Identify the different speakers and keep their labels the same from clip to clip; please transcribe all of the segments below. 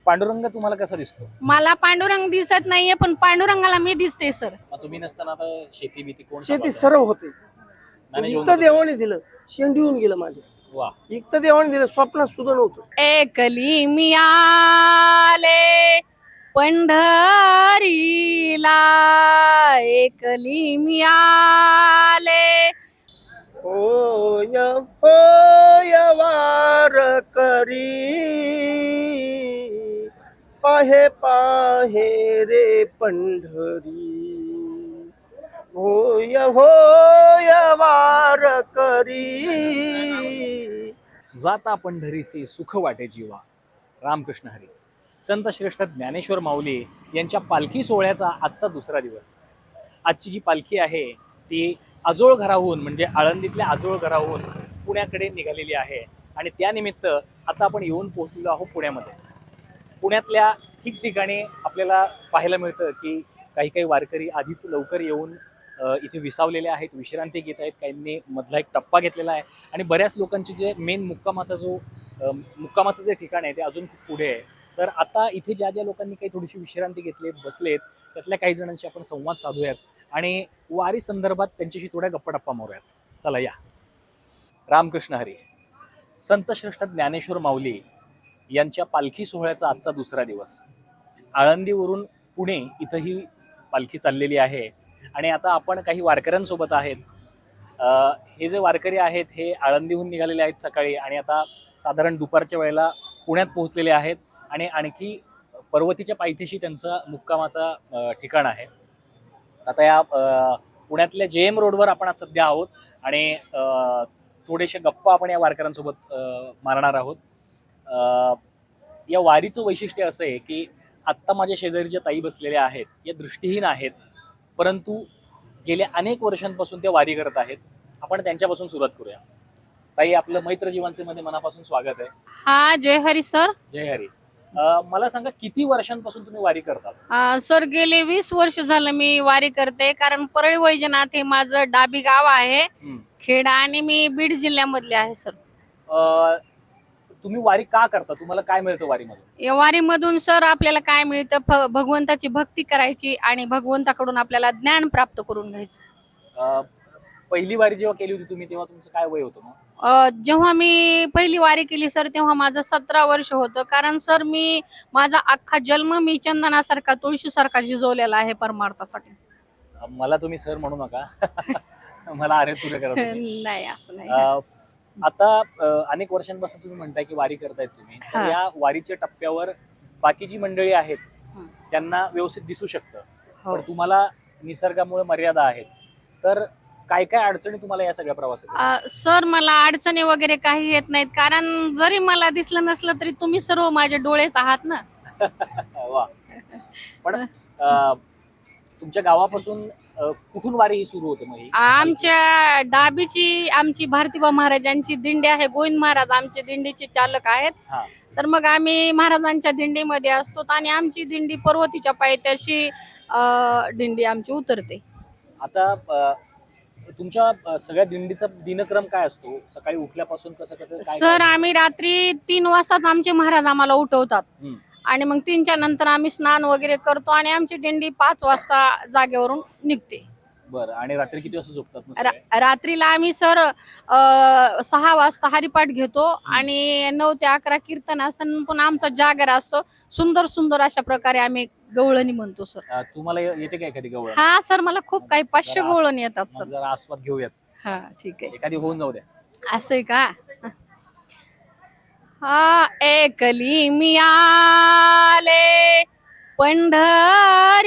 Speaker 1: पांडुरंग तुम्हाला कसा दिसतो?
Speaker 2: मला पांडुरंग दिसत नाहीये, पण पांडुरंगाला मी दिसते सर.
Speaker 1: मग तुम्ही नसताना आता शेती भीती कोण
Speaker 3: शेती
Speaker 1: सांभाळतं?
Speaker 3: सर्व होते.
Speaker 1: मॅनेज होऊन
Speaker 3: इकतं
Speaker 1: जातं?
Speaker 3: देवाने दिलं, शेंडी होऊन गेलं माझं.
Speaker 1: वा.
Speaker 3: इकतं देवाने दिलं, स्वप्नात सुद्धा नव्हतं.
Speaker 2: एकली मी आले पंढरीला, एकली मी आले.
Speaker 3: होय होय वार करी पाहे पाहे रे पंढरी. होय होय वार करी.
Speaker 1: जाता पंढरीचे सुख वाटे जीवा. रामकृष्ण हरी. संत श्रेष्ठ ज्ञानेश्वर माऊली यांच्या पालखी सोहळ्याचा आजचा दुसरा दिवस. आजची जी पालखी आहे ती आजोळ घराहून म्हणजे आळंदीतल्या आजोळ घराहून पुण्याकडे निघालेली आहे आणि त्यानिमित्त आता आपण येऊन पोहोचलेलो आहोत पुण्यामध्ये. पुण्यातल्या ठिकठिकाणी आपल्याला पाहायला मिळतं की काही काही वारकरी आधीच लवकर येऊन इथे विसावलेले आहेत, विश्रांती घेत आहेत. काहींनी मधला एक टप्पा घेतलेला आहे आणि बऱ्याच लोकांचे जे मेन मुक्कामाचं जे ठिकाण आहे ते अजून खूप पुढे आहे. तर आता इथे ज्या ज्या लोकांनी काही थोडीशी विश्रांती घेतली बसलेत त्यातल्या काही जणांशी आपण संवाद साधूयात आणि वारी संदर्भात त्यांच्याशी थोड्या गप्पा मारूयात. चला या. रामकृष्ण हरी. संत श्रेष्ठ ज्ञानेश्वर माऊली यांच्या पालखी सोहळ्याचा आजचा दुसरा दिवस. आळंदीवरून पुणे इथंही पालखी चाललेली आहे आणि आता आपण काही वारकऱ्यांसोबत आहेत. हे जे वारकरी आहेत हे आळंदीहून निघालेले आहेत सकाळी आणि आता साधारण दुपारच्या वेळेला पुण्यात पोहोचलेले आहेत आणि आणखी पर्वतीच्या पायथ्याशी त्यांचा मुक्कामाचा ठिकाण आहे. आता या पुण्यातल्या JM रोडवर आपण आज सध्या आहोत आणि थोडेसे गप्पा आपण या वारकऱ्यांसोबत मारणार आहोत. या वारीचं वैशिष्ट्य असं आहे की आत्ता माझ्या शेजारी ज्या ताई बसलेल्या आहेत या दृष्टीहीन आहेत, परंतु गेल्या अनेक वर्षांपासून त्या वारी करत आहेत. आपण त्यांच्यापासून सुरुवात करूया. ताई, आपलं मैत्र जीवनचे मध्ये मनापासून स्वागत आहे.
Speaker 2: हा, जय हरी सर.
Speaker 1: जय हरी. मला सांगा, किती वर्षांपासून तुम्ही वारी करतात?
Speaker 2: सर गेले 20 वर्ष झालं मी वारी करते, कारण परळी वैजनाथ हे माझं डाबी गाव आहे, खेडा, आणि मी बीड जिल्ह्यामधले आहे सर.
Speaker 1: तुम्ही वारी का करता? तुम्हाला काय मिळतं वारीमधून?
Speaker 2: या वारीमधून सर आपल्याला काय मिळतं? भगवंताची भक्ती करायची आणि भगवंताकडून आपल्याला ज्ञान प्राप्त करून घ्यायचं.
Speaker 1: पहिली वारी जेव्हा केली होती तुम्ही तेव्हा तुमचं काय वय होतं मग?
Speaker 2: जेव्हा मी पहिली वारी केली सर तेव्हा माझं 17 वर्ष होतं. कारण सर माझा अख्खा जन्म मी चंदनासारखा, तुळशीसारखा झिजवलेला आहे परमार्थासाठी.
Speaker 1: मला तुम्ही सर म्हणू नका. मला अरे तुरे करा तुम्ही.
Speaker 2: नाही, असं नाही.
Speaker 1: आता अनेक वर्षांपासून तुम्ही म्हणताय की वारी करतायत तुम्ही, तर या वारीच्या टप्प्यावर बाकी जी मंडळी आहेत त्यांना व्यवस्थित दिसू शकतं, पण तुम्हाला निसर्गामुळे मर्यादा आहेत. तर काय काय अडचणी तुम्हाला या सगळ्या प्रवासात?
Speaker 2: सर मला अडचणी वगैरे काही येत नाहीत, कारण जरी मला दिसलं नसलं तरी तुम्ही सर्व माझे डोळेच आहात ना.
Speaker 1: वा. पण तुमच्या गावापासून कुठून वारी सुरू होते मग?
Speaker 2: आमच्या डाबीची आमची भारतीबा महाराजांची दिंडी आहे. गोविंद महाराज आमचे दिंडीचे चालक आहेत. तर मग आम्ही महाराजांच्या दिंडीमध्ये असतो आणि आमची दिंडी पर्वतीच्या पायथ्याशी दिंडी आमची उतरते.
Speaker 1: आता तुमच्या सगळ्या दिंडीचा दिनक्रम काय असतो? सकाळी उठल्यापासून कसं कसं?
Speaker 2: सर आम्ही रात्री 3 वाजताच आमचे महाराज आम्हाला उठवतात आणि मग 3च्या नंतर आम्ही स्नान वगैरे करतो आणि आमची दिंडी 5 वाजता जागेवरून निघते.
Speaker 1: बरं. आणि रात्री किती वाजता झोपतात?
Speaker 2: रात्रीला आम्ही सर 6 वाजता हरिपाठ घेतो आणि 9 ते 11 कीर्तन असताना पण आमचा जागर असतो. सुंदर सुंदर अशा प्रकारे आम्ही गवळणी म्हणतो सर.
Speaker 1: तुम्हाला येते का एखादी गवळण?
Speaker 2: हा सर, मला खूप काही 500 गवळणी येतात सर.
Speaker 1: जरा आस्वाद घेऊयात.
Speaker 2: हा, ठीक आहे.
Speaker 1: एखादी होऊन जाऊ द्या.
Speaker 2: असं आहे का? हा, एकली मी आले पंढरीला,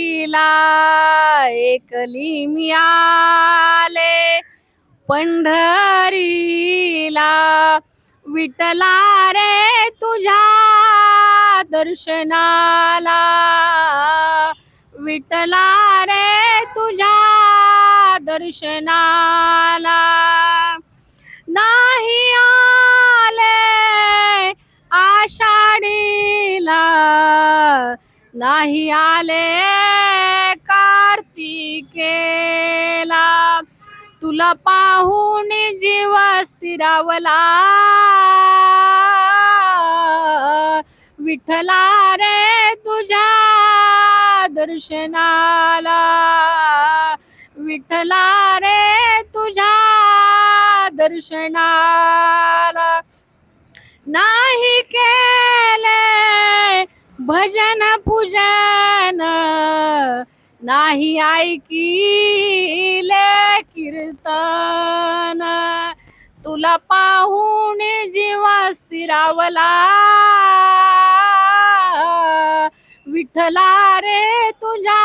Speaker 2: एकली मी आले पंढरीला, विठला रे तुझ्या दर्शनाला, विठला रे तुझ्या दर्शनाला, नाही आले आषाढीला, नाही आले कार्तिकेला, तुला पाहून जीव स्थिरावला, विठ्ठला रे तुझ्या दर्शनाला, विठ्ठला रे तुझ्या दर्शनाला, नाही केले भजन पूजन, नाही ऐकिले कीर्तन, तुला पाहून जीवा स्थिरावला, विठ्ठला रे तुझ्या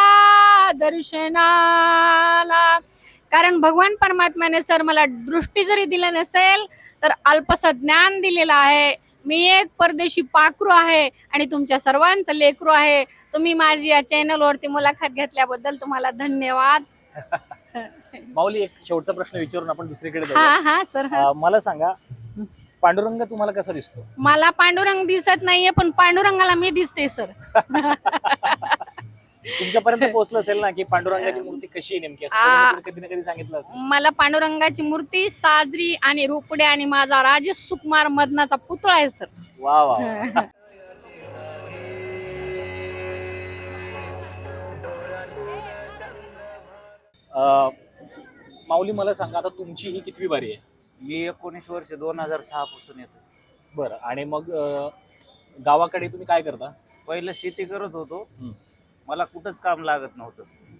Speaker 2: दर्शनाला. कारण भगवान परमात्म्याने सर मला दृष्टी जरी दिली नसेल तर अल्पसं ज्ञान दिलेलं आहे. मी एक परदेशी पाखरू आहे आणि तुमच्या सर्वांचं लेकरू आहे. तुम्ही माझी या चॅनलवरती मुलाखत घेतल्याबद्दल तुम्हाला धन्यवाद.
Speaker 1: माऊली, एक शेवटचा प्रश्न विचारून आपण दुसरीकडे जाऊया.
Speaker 2: हा हा सर.
Speaker 1: मला सांगा, पांडुरंग तुम्हाला कसा दिसतो?
Speaker 2: मला पांडुरंग दिसत नाहीये, पण पांडुरंगाला मी दिसते सर.
Speaker 1: तुमच्यापर्यंत पोहोचलं असेल ना की पांडुरंगाची मूर्ती कशी आहे नेमकी, असं कधी ना कधी सांगितलं असेल.
Speaker 2: मला पांडुरंगाची मूर्ती साजरी आणि रोपडे आणि माझा राजेश सुकुमार मदनाचा पुतळा आहे सर.
Speaker 1: वा वा. माऊली, मला सांगा, आता तुमची ही कितवी बारी आहे?
Speaker 4: मी 19 वर्ष 2006 पासून येतो.
Speaker 1: बरं. आणि मग गावाकडे तुम्ही काय करता?
Speaker 4: पहिलं शेती करत होतो.
Speaker 1: हं.
Speaker 4: मला कुठंच काम लागत नव्हतं.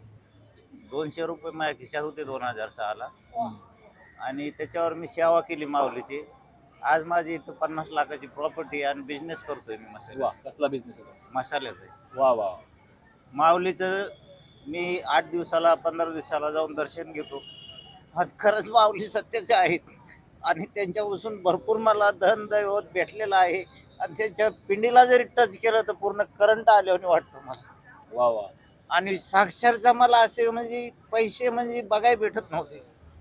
Speaker 4: 200 रुपये माझ्या खिशात होते 2006ला. आणि त्याच्यावर मी सेवा केली माऊलीची. आज माझी इथं 50 लाखाची प्रॉपर्टी आणि बिझनेस करतोय मी मसाला.
Speaker 1: वा, कसला बिझनेस आहे?
Speaker 4: मसाल्याचा.
Speaker 1: वा वा.
Speaker 4: माऊलीचं मी 8 दिवसाला 15 दिवसाला जाऊन दर्शन घेतो. आणि खरंच माऊली सत्याचे आहेत आणि त्यांच्यापासून भरपूर मला धन दैवत भेटलेलं आहे. आणि त्यांच्या पिंडीला जरी टच केलं तर पूर्ण करंट आल्याने वाटतं मला.
Speaker 1: वा वा.
Speaker 4: आणि साक्षरचा मला असे म्हणजे पैसे म्हणजे बघायला भेटत नव्हते.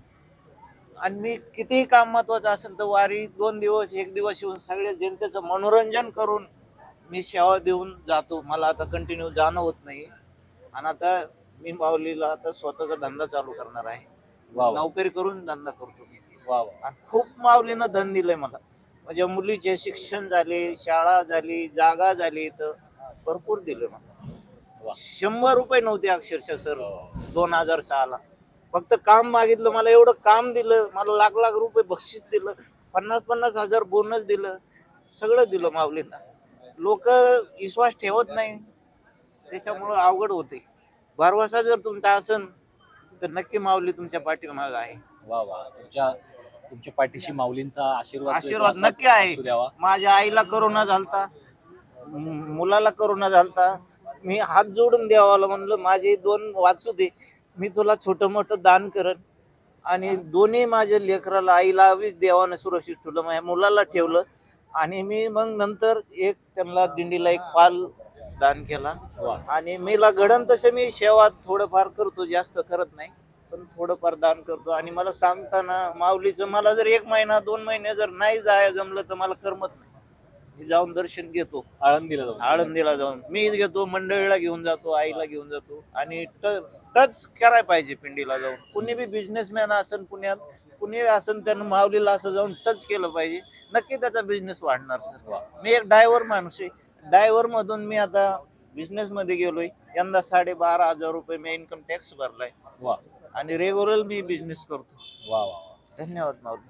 Speaker 4: आणि मी कितीही काम महत्वाचं असेल तर वारी 2 दिवस 1 दिवस येऊन सगळ्या जनतेचं मनोरंजन करून मी सेवा देऊन जातो. मला आता कंटिन्यू जाणं होत नाही. आणि आता मी माऊलीला आता स्वतःचा धंदा चालू करणार आहे.
Speaker 1: वा वा.
Speaker 4: नोकरी करून धंदा करतो मी.
Speaker 1: वा वा.
Speaker 4: आणि खूप माऊलीनं धन दिलंय मला. म्हणजे मुलीचे शिक्षण झाले, शाळा झाली, जागा झाली, तर भरपूर दिलं मला. 100 रुपये नव्हते अक्षरशः सर 2006ला. फक्त काम मागितलं, मला एवढं काम दिलं. मला लाख लाख रुपये बक्षीस दिलं, 50-50 हजार बोनस दिलं, सगळं दिलं माऊलींना. लोक विश्वास ठेवत नाही, त्याच्यामुळं अवघड होते. भरवसा जर तुमचा असेल तर नक्की माऊली तुमच्या पाठीमागे आहे.
Speaker 1: वा वा. तुमच्या पाठीशी माऊलींचा
Speaker 4: आशीर्वाद नक्की आहे. माझ्या आईला करोना झालता, मुलाला करोना झालता. मी हात जोडून देवाला म्हणलं माझे 2 वाचू दे, मी तुला छोटं मोठं दान करन. आणि दोन्ही माझ्या लेकराला आईला देवानं सुरक्षित ठेवलं, माझ्या मुलाला ठेवलं. आणि मी मग नंतर त्यांना दिंडीला एक पाल दान केला. आणि मीला घडण तसं मी सेवा थोडंफार करतो, जास्त करत नाही, पण थोडंफार दान करतो. आणि मला सांगताना माऊलीचं मला जर 1 महिना 2 महिने जर नाही जाय जमलं तर मला करमत नाही. मी जाऊन दर्शन घेतो. आळंदीला जाऊन मी घेतो, मंडळीला घेऊन जातो, आईला घेऊन जातो. आणि टच करायला पाहिजे पिंडीला जाऊन. कुणी बी बिझनेसमॅन असेल पुण्यात, कुणी असेल त्यानं माऊलीला असं जाऊन टच केलं पाहिजे. नक्की त्याचा बिझनेस वाढणार सर. मी एक ड्रायव्हर माणूस आहे. ड्रायव्हर मधून मी आता बिझनेस मध्ये गेलोय. यंदा 12,500 रुपये मी इन्कम टॅक्स भरलाय. आणि रेग्युलर मी बिझनेस करतो.
Speaker 1: वा वा.
Speaker 4: धन्यवाद माऊली.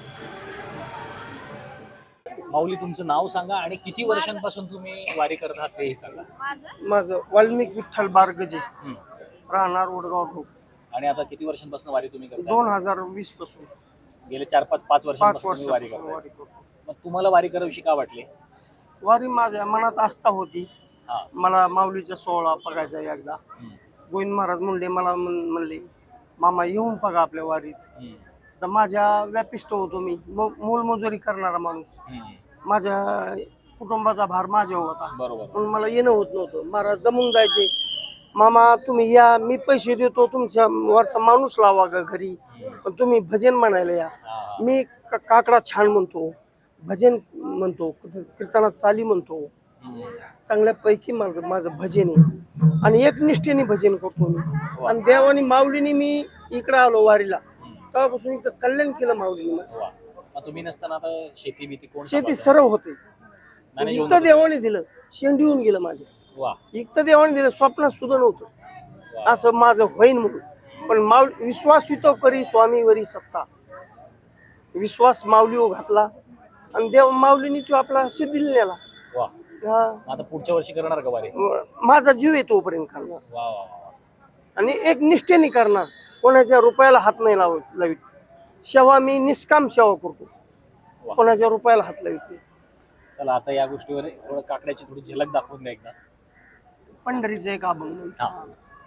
Speaker 1: माऊली, तुमचं नाव सांगा आणि किती वर्षांपासून तुम्ही वारी करत आहात तेही सांगा.
Speaker 3: माझं वाल्मिक विठ्ठल बारगजे, राहणार उडगाव ठोक.
Speaker 1: आणि आता किती वर्षांपासून वारी तुम्ही करता?
Speaker 3: 2020 पासून.
Speaker 1: गेले 4-5 वर्षांपासून तुम्ही वारी करता. मग तुम्हाला वारी कराविषयी का वाटले?
Speaker 3: वारी माझ्या मनात आस्था होती. मला माऊलीचा सोहळा बघायचा एकदा. गोविंद महाराज मला म्हणले, मामा येऊन बघा आपल्या वारीत. तर माझ्या व्यापिष्ट होतो मी, मोलमजुरी करणारा माणूस. माझ्या कुटुंबाचा भार माझ्यावर होता, म्हणून मला येणं होत नव्हतं. महाराज दमून जायचे, मामा तुम्ही या, मी पैसे देतो, तुमच्या वरचा माणूस लावा घरी, पण तुम्ही भजन म्हणायला या. मी काकडा छान म्हणतो, भजन म्हणतो, कीर्तनात चाली म्हणतो, चांगल्यापैकी माझं भजन आहे. आणि एकनिष्ठेने भजन करतो मी. आणि देवानी माऊलीने मी इकडे आलो वारीला, तेव्हापासून इथं कल्याण केलं माऊलीने.
Speaker 1: तुम्ही नसताना आता शेती
Speaker 3: शेती सर्व होते.
Speaker 1: ज्ञानेश्वर
Speaker 3: इतकं देवाने दिलं, शेंड येऊन गेलं माझ्या,
Speaker 1: वा
Speaker 3: इतकं देवाने दिलं, स्वप्नात सुद्धा नव्हतं असं माझं होईन म्हणून. पण विश्वास वितो करी स्वामीवरी सत्ता, विश्वास माऊलीवर घातला आणि देव माऊलीने तो आपला सिद्धीला नेला.
Speaker 1: वा.
Speaker 3: हा.
Speaker 1: आता पुढच्या वर्षी करणार का वारी?
Speaker 3: माझा जीव आहे तोपर्यंत करणार
Speaker 1: वा वा वा.
Speaker 3: आणि एक निष्ठेने करणार, कोणाच्या रुपयाला हात नाही लावित. सेवा मी निष्काम सेवा करतो,
Speaker 1: वा.
Speaker 3: कोणाच्या रुपयाला हात लावित नाही.
Speaker 1: चला आता या गोष्टीवर थोडं काकड्याची थोडी झलक दाखवून द्या एकदा.
Speaker 3: पंढरीचं एक अभंग.
Speaker 1: हा.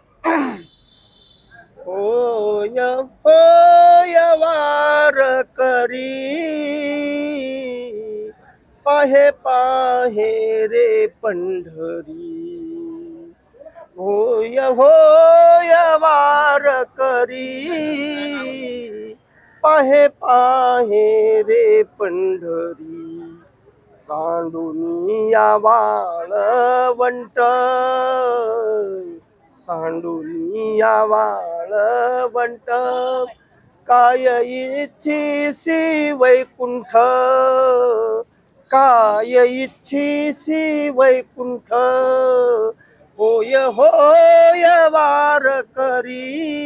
Speaker 3: होय होय वार करी, पाहे पाहे रे पंढरी. होय होय वार करी, पाहे पाहे रे पंढरी. सांडुनिया वाळवंट, सांडुनिया वाळवंट. काय इच्छिसी वैकुंठ, काय इच्छिसी वैकुंठ. होय होय वार करी,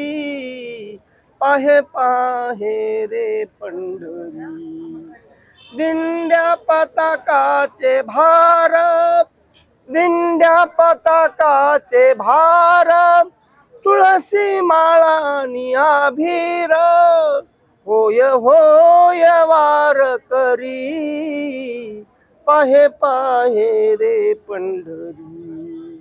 Speaker 3: पाहे पाहे रे पंढरी. दिंड्या पताकाचे भार, दिंड्या पताकाचे भार. तुळसी माळानी आभीर. होय होय वार करी, पाहे पाहे रे पंढरी.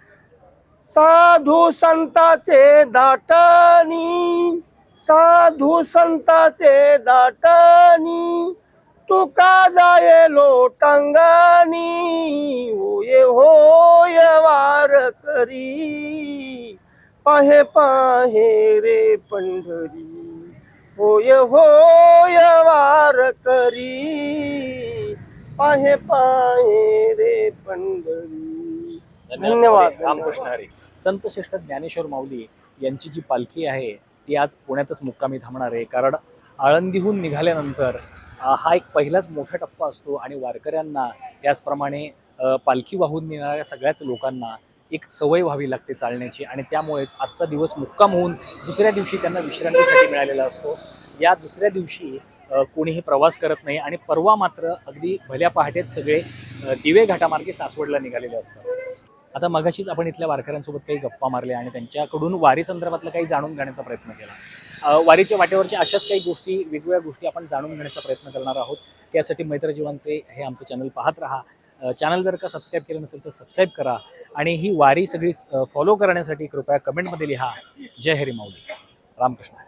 Speaker 3: साधू संताचे दाटणी, साधू संताचे दाटणी. तुका जाये लोटांगणी. होय होय वार करी, पाहे पाहे रे पंढरी. होय होय वार करी, पाहे पाहे रे पंढरी. धन्यवाद.
Speaker 1: रामकृष्ण हरी. संत श्रेष्ठ ज्ञानेश्वर माऊली यांची जी पालखी आहे ती आज पुण्यातच मुक्कामी थांबणार आहे. कारण आळंदीहून निघाल्यानंतर हा एक पहिलाच मोठा टप्पा असतो आणि वारकऱ्यांना त्याचप्रमाणे पालखी वाहून नेणाऱ्या सगळ्याच लोकांना एक सवय व्हावी लागते चालण्याची. आणि त्यामुळेच आजचा दिवस मुक्काम होऊन दुसऱ्या दिवशी त्यांना विश्रांतीसाठी मिळालेला असतो. या दुसऱ्या दिवशी कोणीही प्रवास करत नाही आणि परवा मात्र अगदी भल्या पहाटेच सगळे दिवे घाटामार्गे सासवडला निघालेले असतात. आता मगाशीच आपण इथल्या वारकऱ्यांसोबत काही गप्पा मारल्या आणि त्यांच्याकडून वारी संदर्भातलं काही जाणून घेण्याचा प्रयत्न केला. वारीच्या वाटेवरच्या अशाच काही गोष्टी, वेगवेगळ्या गोष्टी आपण जाणून घेण्याचा प्रयत्न करणार आहोत. त्यासाठी मैत्रजीवांचे हे आमचं चॅनल पाहत राहा. चॅनल जर का सबस्क्राईब केलं नसेल तर सबस्क्राईब करा आणि ही वारी सगळी फॉलो करण्यासाठी कृपया कमेंटमध्ये लिहा. जय हरी माऊली. रामकृष्ण.